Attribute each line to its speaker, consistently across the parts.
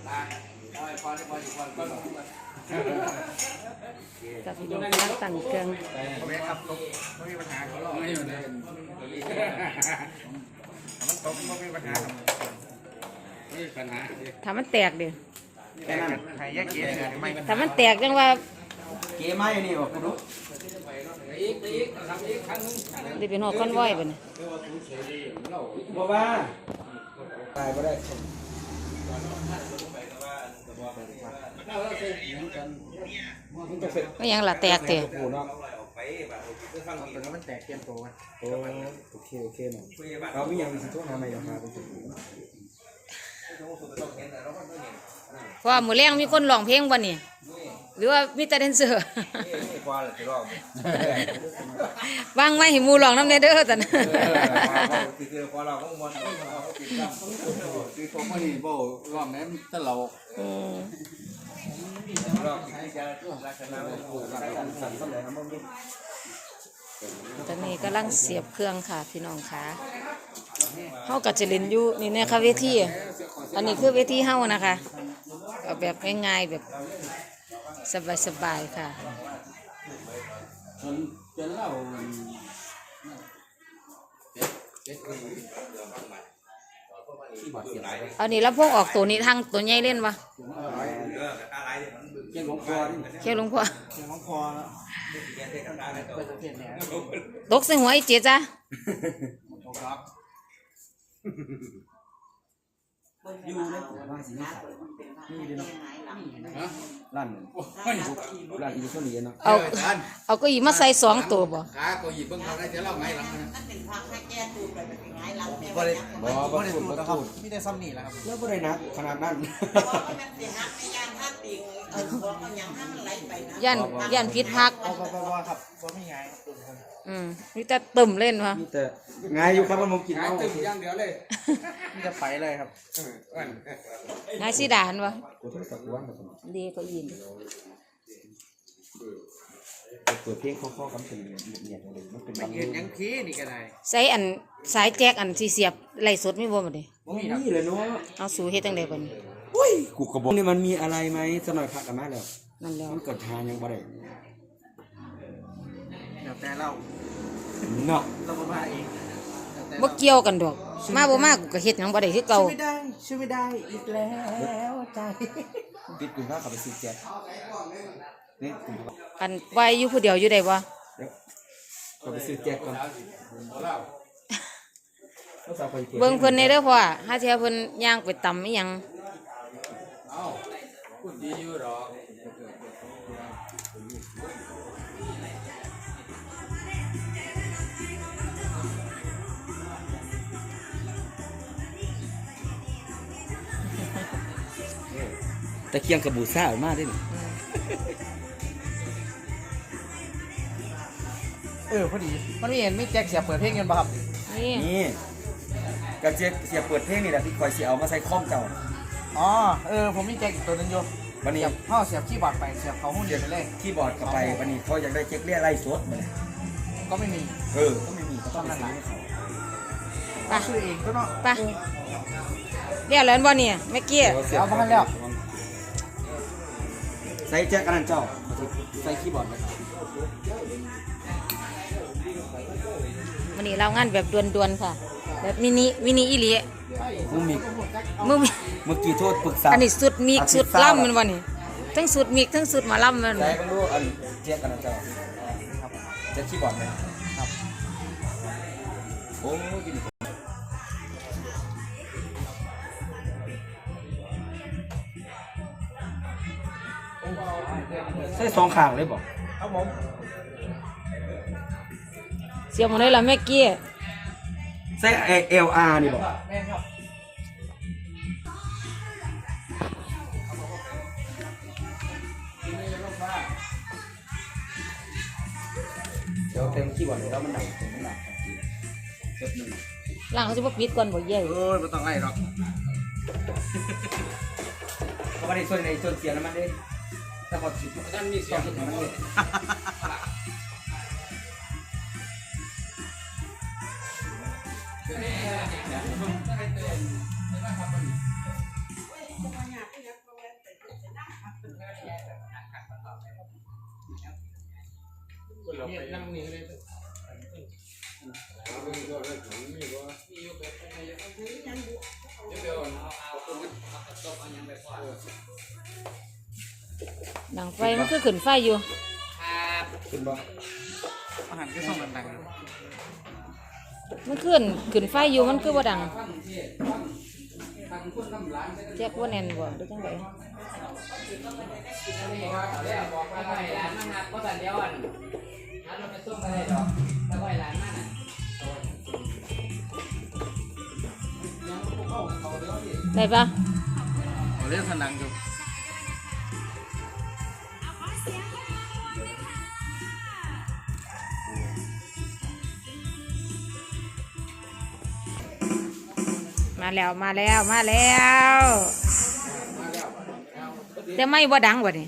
Speaker 1: กับพี่น้องนักตั้งเครื่อง
Speaker 2: ครับไม่มีปัญหาเขาหรอกไม่อยู่ในมันตกไม่มีปัญหาไม่มีปัญหา
Speaker 1: ถ้ามันแตกดิ
Speaker 2: แต่นั่นใครแยกเกศไม่
Speaker 1: ถ้ามันแตกจังว่า
Speaker 3: เกย์ไม่นี่บอกคุณรู้
Speaker 1: ดิเป็นหัวก้อนว้อยไปเนี่ย
Speaker 3: บอกว่าตายไม่ได้
Speaker 1: ก็ยังละแตกเตะ
Speaker 2: มันแตกเตรียมตัวกัน
Speaker 3: โอเคหน่อยเราไม่ยังสิทุกทำไมราคาเป็น
Speaker 1: เพราะว่ามือแรงมีคนร้องเพลงบ่นี่หรือว่ามีแต่แดนเซอร์วางไว้ให้หมู่ร้องน้ำเนเด้อแต่นะ
Speaker 2: คือพอเราก็มันคือผมไม่ได้บอกร้องนั้นตลก
Speaker 1: ตอนนี้กำลังเสียบเครื่องค่ะพี่น้องค่ะเฮากับจะเล่นอยู่นี่นะคะเวทีอันนี้คือเวทีเฮานะคะเอาแบบง่ายๆแบบสบายๆค่ะ
Speaker 3: จนเรา
Speaker 1: เอานี่แล้วพวกออกตัวนี้ทางตัวใหญ่เล่นวะ
Speaker 3: เกี่ยวกับคอ
Speaker 1: เกี่ยวหลวงพ่อตกใส่หัวไอ้เจ๊จ้ะ
Speaker 3: อยู่ในบ้านสินี่นี่เลยเนาะร้านอีกคนนี้เนาะ
Speaker 1: เอาก็อีมาใส่2ตัวบ่
Speaker 2: ขาก็หยิบเบิ่งเขาได้จะเล่าไงหลังนะ
Speaker 3: บ่ได้บ่ได้พูดครับ
Speaker 2: มีแต่ซ้ำนี่แหละครับ
Speaker 3: แล้วบ่ได้นักขนาดนั้น
Speaker 1: ย่านพิษพัก
Speaker 2: ครับบ่มีไง
Speaker 1: นี่แต่ตึมเล่นวะ
Speaker 3: มีแต่ไงอยู่ครับมันมกินเอา
Speaker 2: ตึมอย่างเดียวเลยมีแต่ไปเลยครับ
Speaker 1: นายสีดานวะดีก็ยิน
Speaker 3: เปิดเพลงข้อๆกันเป็นเนียดเลยมันเป็น
Speaker 2: มันยืนยังพีนี่ก็ได้
Speaker 1: ใส่อันสายแจ็คอันที่เสียบไหลสดไม่บ่มาดิ
Speaker 3: นี่เลยเนาะ
Speaker 1: เอาสู่เฮ็ดจังได๋บัดนี้
Speaker 3: อุ้ยกูก็บอกนี่มันมีอะไรไหมสักหน่อยพักกันมาแล้ว
Speaker 1: นั่นแล้ว
Speaker 3: มันเกิดทานยังบ่ได้
Speaker 2: แต่เรา
Speaker 3: เนาะ
Speaker 2: เรามาเอง
Speaker 1: บ่เกี่ยวกันดอกมาบ่มากูก็เฮ็ดหยังบ่ได้คือเก่า
Speaker 2: ช่วยไม่ได้อีกแล้วใจ
Speaker 3: ติดกูว่าเขาไปซื้อแจ๊คนี่
Speaker 1: อันไว้อยู่ผู้เดียวอยู่ได้บ่
Speaker 3: เขาไปซื้อแจ๊คก่อน
Speaker 1: เบิ่งเพิ่นในเด้อพ่อหาเที่ยเพิ่นย่างไปตำอีหยัง
Speaker 2: เอ้าพูดดีอยู่หรอ
Speaker 3: ตะเคียงกระบูซ่าออกมาได้
Speaker 2: พอดีมันไม่เห็นไม่แจ็คเสียเปิดเพลงเงินป่ะครับ
Speaker 3: นี่กระเจี๊ยเสียเปิดเพลงนี่แหละที่คอยเสียเอามาใส่ข้อมเจ้า
Speaker 2: ผมมีแจ็คอีกตัวนึงอยู่
Speaker 3: วันนี้
Speaker 2: พ่อเสียบคีย์บอร์ดไปเสียบเขาหุ้นเดียวไปเลย
Speaker 3: คีย์บอร์ดเข้าไปวันนี้เขาอยากได้เช็คเรียกไล่สดมาเลย
Speaker 2: ก็ไม่มี
Speaker 3: ก็ไม่มีก็ต้องนั่นแหละ
Speaker 1: ไป
Speaker 2: ชื่อเองก็เนาะ
Speaker 1: ไปเรียกแล้วบ่เนี่ยเมื่อกี้
Speaker 2: เอาบ้านแล้ว
Speaker 3: ใส่แจ็คอันนั้นเจ้าใส่คีย์บอร์ดไป
Speaker 1: วันนี้เรางานแบบด่วนๆค่ะแบบมินิอีหลี
Speaker 3: มึงมี
Speaker 1: เ
Speaker 3: มื่อกี้โทษปรึกษา
Speaker 1: อันนี้สุดมีสุดล่ำมันวันนี้ทั้งสุดมีทั้งสุดมาล่ำมัน
Speaker 3: ใส่กันดูอันแจ็คอันนั้นเจ้าแจ็คคีย์บอร์ดไหมครับโอ้ยใส่2ข้างเลยบอก
Speaker 2: ครับผม
Speaker 1: เสียบหมดเลยล่ะแม่กี้
Speaker 3: ใส่ LR นี่บอกเดี๋ยวเต็มขี้บอลเลยแล้วมันหนัก
Speaker 1: ล่างเขาจะมาปิดก่อนบ่เย่
Speaker 2: ไม่ต้องไล่หรอก
Speaker 3: เขาไม่ได้ส่วนในส่วนเสียแล้วมันได้แต่พอสิท่านมีเสียงมันเลย
Speaker 1: ดังไฟมันคือขึ้นไฟอยู่
Speaker 3: ขึ้นบ่
Speaker 2: อาหารก็ส่งดัง
Speaker 1: มันขึ้นไฟอยู่มันคือบ่ดังแจ็คว่าแน่นบ่หรือจังได ได้ปะ
Speaker 2: เรียกดังอยู่
Speaker 1: มาแล้วแต่ไม่บ่ดังบ่นี่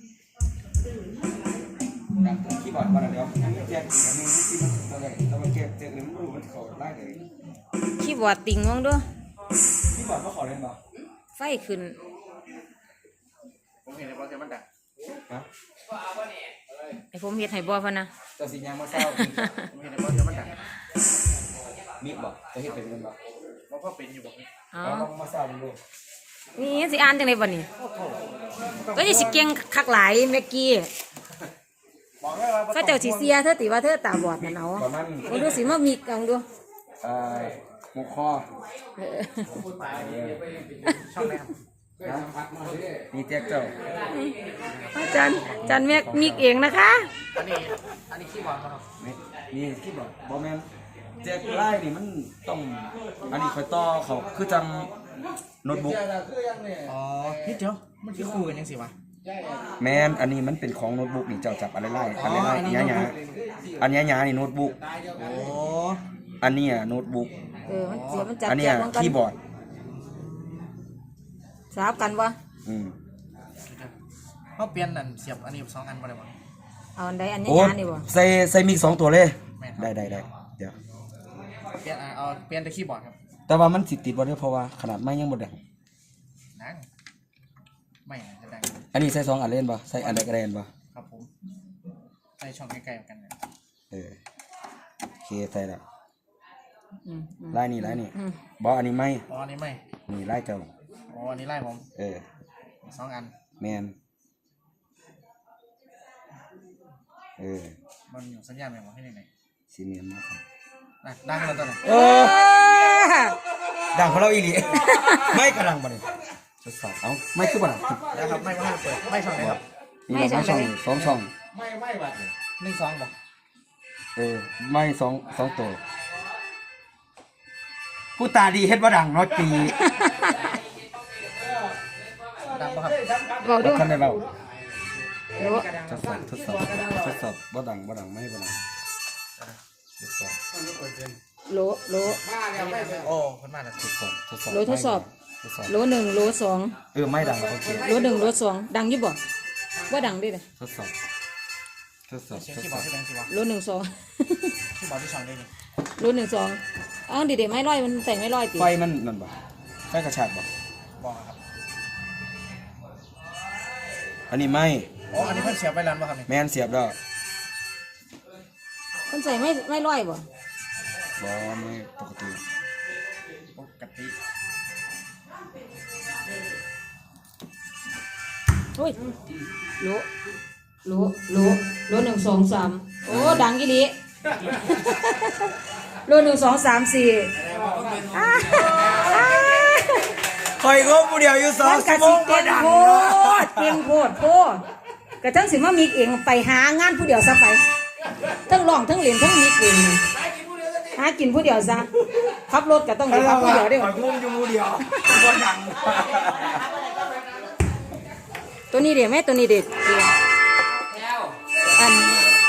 Speaker 3: ดังคีย์บอร์ดมาแล้วแจ้งอีกอันนึงที่มันอะไรแล้วมันแก้แจ้งเลยมันรู้มันเข้าไล่เลย
Speaker 1: คีย์บอร์ดติ่งมองดู
Speaker 3: คีย์บอร์ดเขาขอเล่นบ่
Speaker 1: ไฟขึ้น
Speaker 2: ผมเห็นในบอลจะมันดัง
Speaker 3: ฮะ
Speaker 1: ไอ้ผมเฮ็ดให้บ่พะนะ
Speaker 3: ตัวสิยังมาเศร้า
Speaker 2: ผมเห็นในบอลจะมันดัง
Speaker 3: มิดบ่จะเฮ็ดเป็นบ่
Speaker 2: มันก็เป็นอยู่บอก
Speaker 1: อ๋อ
Speaker 3: เราลองมาเศร้าดู
Speaker 1: นี่สิอ่านจังได๋บ่นี่ก็สิเก่งคักหลายเมื่อกี้
Speaker 3: บอกได้ว่า
Speaker 1: เขาเจ้าสิเสียเธอติว่าเธอตาบอดนั่นเอา
Speaker 3: ประมาณ
Speaker 1: บ่ดูสิมามีกองดู
Speaker 3: หมูคอ
Speaker 1: เออ
Speaker 2: ช่องไหนครับ
Speaker 3: นี่แจ็คเจ้า
Speaker 1: อาจารย์แม็กมีเองนะคะ
Speaker 2: อันนี้ขี้บอลครับ
Speaker 3: นี่คีย์บอร์ดบ่แม่นแจ็คไล่นี่มันต้องอันนี้ค่อยต่อเขาคือจังโน้ตบุ๊ก
Speaker 2: อ๋อพี่เจ้ามันคือคู่กันยังสิวะ
Speaker 3: แม่นอันนี้มันเป็นของโน้ตบุ๊กนี่เจ้าจับอะไรไล่อันไล่หยาๆอันหยาๆนี่โน้ตบุ๊ก
Speaker 2: โอ้
Speaker 3: อันนี้อ่ะโน้ตบุ๊ก
Speaker 1: มันเสียมันจับ
Speaker 3: อันนี้
Speaker 1: แจก
Speaker 3: อ่ะ
Speaker 1: มันกัน
Speaker 3: คีย์บอร์ด
Speaker 1: สลับกันบ่
Speaker 3: อืม
Speaker 2: เขาเปลี่ยนอันเสียบอันนี้2อันบ่ได้บ่
Speaker 1: เอาอันใดอัน
Speaker 3: โอ้
Speaker 1: ยาๆนี่บ่
Speaker 3: ใส่มิก2ตัวเลย
Speaker 2: แม่นครับ
Speaker 3: ได้เดี๋ยว
Speaker 2: เปลี่ยนเอาเปลี่ยนแต่คีย์บอร์ดครับ
Speaker 3: แต่ว่ามันสิติดบ่ได้เพราะว่าขนาดไม้ยังบ่ได้
Speaker 2: ดังไม่จะดัง
Speaker 3: อันนี้ใส่2อันเล่นบ่ใส่อันใดก็ได้บ่
Speaker 2: ครับผมใส่ช่องใกล้ๆกันเนี่ย
Speaker 3: โอเคใส่แล้ว
Speaker 1: อืม
Speaker 3: ไล่นี่บ่อันนี้ไม่
Speaker 2: อ๋ออันนี้ไม่
Speaker 3: นี่ไล่เจ้า
Speaker 2: อ๋ออันนี้ไล่ผม 2อัน
Speaker 3: แม่น
Speaker 2: มันอยู่สัญญาณแม่งบ่ให้ไหน
Speaker 3: สิเมียนมาครับ
Speaker 2: นะดังแล้วตอนไหน
Speaker 3: โอ้ดังของเราอีหลี ไม่กำลังบ่ได้ทดสอบเอาไม่คือบ่ดัง
Speaker 2: นะครับไม่ให้เปิดไม่ช่องไหนครับ
Speaker 3: นี่เราไม่ช่องสองช่อง
Speaker 2: ไม่บัด1 2บ่
Speaker 3: ไม่สองตัวผู้ตาดีเฮ็ดบ่ดังเนาะปี
Speaker 2: ดังป่ะครับ
Speaker 1: เว้าดู
Speaker 3: ท่านได้เว้า
Speaker 1: โล
Speaker 3: ทดสอบบ่ดังไม่บ่ดังทดสอบ
Speaker 1: โล
Speaker 2: โอ้คนมาแล้ว
Speaker 3: ทดสอบ
Speaker 1: โลทดสอบ โล1โล2
Speaker 3: ไม่ดังโอเค
Speaker 1: โล1โล2ดังอยู่บ่บ่ดังเด้เลย
Speaker 3: ทดสอบ
Speaker 2: เสียงคีย์บอร์ดที่ดังสิวะ
Speaker 1: โล1 2
Speaker 2: คีย์บอร์ดที่ช่องได้นี่
Speaker 1: โล1 2อ้าวเด็ดๆไม้ลอยมันใส่ไม้ลอยติ
Speaker 3: ไฟมันนั่นบ่ไฟกระชากบ่
Speaker 2: บอกครับ
Speaker 3: อันนี้ไม่
Speaker 2: อ๋ออันนี้เพิ่นเสียบไปแล้วป่ะครับนี่
Speaker 3: แม่นเสียบแล้ว
Speaker 1: มันใส่ไม้ลอยบ่
Speaker 3: บ่ไม่ปกติ
Speaker 2: ปกติ
Speaker 1: โอ้ยโล1 2 3โอ้ดังอีหลี โล1 2 3 4
Speaker 3: คอยก็ผู้เดียวอยู่2
Speaker 1: มันกะสิเก่งโพดกะทั้งสิมามีเองไปหางานผู้เดียวซะไปทั้งร้องทั้งเล่นทั้งมีเองหากินผู้เดียวซะขับรถก็ต้องขับผู้เดียวเด้อ
Speaker 3: งงอยู่ผู้เดียวบ่ดัง
Speaker 1: ตัวนี้เด็ดไหมตัวนี้เด็ดอัน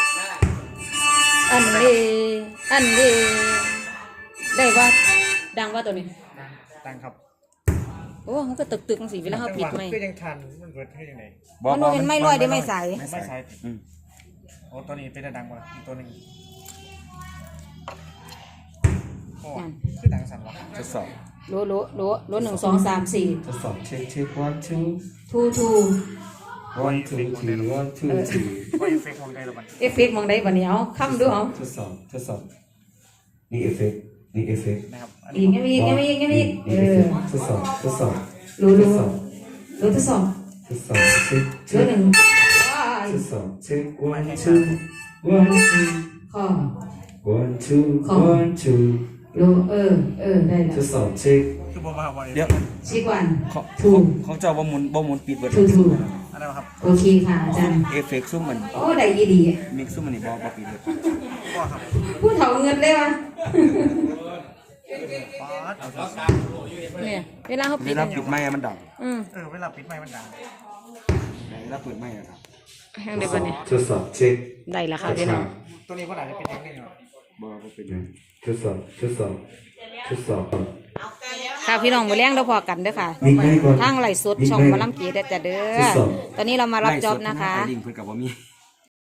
Speaker 1: นี้ได้ว่าดังว่าตัวนี้
Speaker 2: ดังครับ
Speaker 1: โอ้มันก็ตึกๆจังสิเวลาเขาผิดไหม
Speaker 2: ก็ยังทันมันเปิดให้ยังไง
Speaker 1: มันเป็นไม่ลอยได้ไม่ใส
Speaker 2: ไม่ใช่โอ้ตัวนี้เป็นดังกว่าอีกตัวนึงโอ้คือดังสั่นวะ
Speaker 3: ทดสอบ
Speaker 1: โล1 2 3 4
Speaker 3: ทดสอบเช็ค1 2
Speaker 1: 2
Speaker 3: one two three one two three
Speaker 4: ว่าเอฟเฟกต์ของใดละบัด
Speaker 1: เอฟเฟกต์มองได้บัดนี้เอาค้ำดูเอา
Speaker 3: ทดสอบนี่เอฟเฟกต์นี่เอฟเฟกต์
Speaker 4: นะครับอัน
Speaker 1: อี
Speaker 4: นี้
Speaker 1: กยังมีอีกยังมีอีกยังมีอีก
Speaker 3: นี่เอฟเฟกต์ทดสอบทดสอบ
Speaker 1: รู้รู้ทดสอบ
Speaker 3: ทดสอบเช็ค
Speaker 1: รู้หนึ่ง
Speaker 3: ทดสอบเช็ค one two one two
Speaker 1: ข้อ
Speaker 3: one two one two
Speaker 1: รู้ได้แล้ว
Speaker 3: ทดสอบเช็ค
Speaker 4: คือบ่มาบ่
Speaker 3: เดี๋ยว
Speaker 1: ชิกวัน
Speaker 3: ของ
Speaker 1: ถูก
Speaker 3: ของเจ้าบ่หมุนปิดเบิด
Speaker 1: ถูก
Speaker 4: อะไรวะครับ
Speaker 1: โอเคค่ะอาจารย์
Speaker 3: เอฟเฟกต์ซุ่มมัน
Speaker 1: โอ้ได้ยี่ดี
Speaker 3: มิกซุ่มมันนี่บ่ปิดเบิด
Speaker 4: ก็ครับ
Speaker 1: พูดเถาเงินเลยวะ
Speaker 4: ป๊าดเอา
Speaker 1: เนี่ยเวลาเขา
Speaker 3: เว
Speaker 1: ปิด
Speaker 3: ลาปิดไม้มันดัง
Speaker 4: เวลาปิดไมค์มันดัง
Speaker 3: เวลาเปิดไม้อะครับ
Speaker 1: แห้งได้ปะเนี่ย
Speaker 3: ทดสอบเช็ค
Speaker 1: ได้แล้วค่ะพี่น้อง
Speaker 4: ตัวนี้ก็อาจจะเป็นอย่างนี้เนาะ
Speaker 3: บ่เป็นไงทดสอบทดสอบ
Speaker 1: ค่ะพี่น้องมาเลี้ยงเราพอกันเด้อค่ะ
Speaker 3: มิกไม้ก่อน
Speaker 1: ทางไหลฟ์สดช่องหมาลำกีได้แต่เด้อตอนนี้เรามารับจ็อบนะคะ
Speaker 3: ไอ้ลิงเพิ่นก็บ่มี